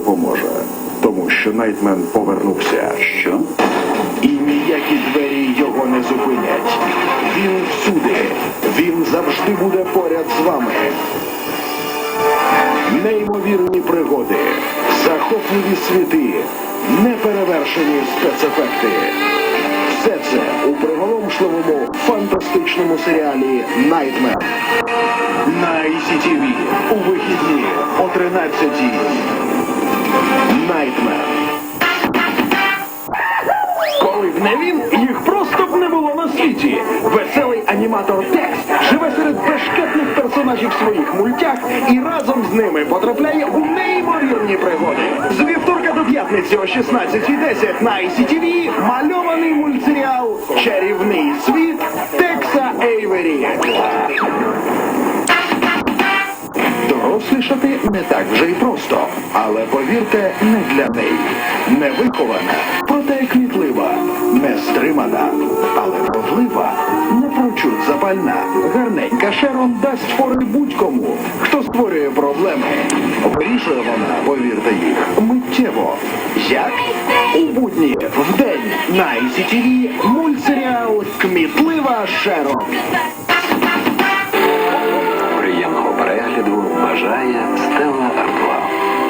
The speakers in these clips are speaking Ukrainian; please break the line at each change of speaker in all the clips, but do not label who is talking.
допоможе. Тому що Найтмен повернувся.
Що?
І ніякі двері його не зупинять. Він всюди. Він завжди буде поряд з вами. Неймовірні пригоди, захопливі світи, неперевершені спецефекти. Все це у приголомшливому фантастичному серіалі «Найтмен» на ICTV у вихідні о 13-й. «Найтмен». Коли б не він, їх просто б не було на світі. Веселий аніматор Текс живе серед бешкетних персонажів своїх мультях і разом з ними потрапляє у неймовірні пригоди. З вівторка до п'ятниці о 16:10 на ICTV мальований мультсеріал «Чарівний світ Текса Ейвері». Дорослішати не так вже й просто, але, повірте, не для неї. Невихована, проте кмітлива, нестримана, але вродлива, напрочуд запальна, гарненька Шерон дасть фори будь-кому, хто створює проблеми. Вирішує вона, повірте їх, миттєво. Як? У будні, вдень, на ICTV мультсеріал «Кмітлива Шерон».
Приємного перегляду бажає Стелла Артуа.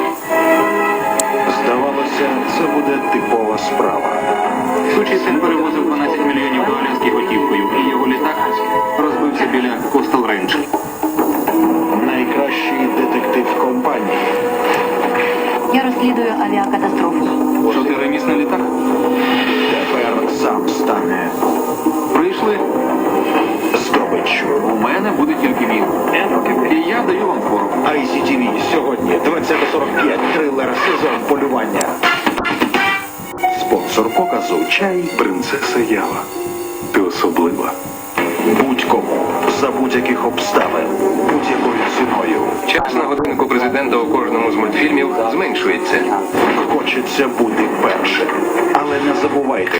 Здавалося, це буде типова справа.
Сучий син перевозив 12 мільйонів доларів готівкою, і його літак розбився біля Костел Рейндж.
Найкращий детектив компанії.
Я розслідую авіакатастрофу.
Чотиримісний літак.
Тепер сам стане
Прийшли.
здобиччю.
У мене буде тільки він. І я даю вам фору.
ICTV сьогодні 20:45. Трилер «Сезон полювання». Спонсор показу «Чай Принцеса Ява». Ти особлива. Будь-кому, за будь-яких обставин, будь-якою ціною.
Час на годиннику президента у кожному з мультфільмів зменшується.
Хочеться бути першим. Але не забувайте,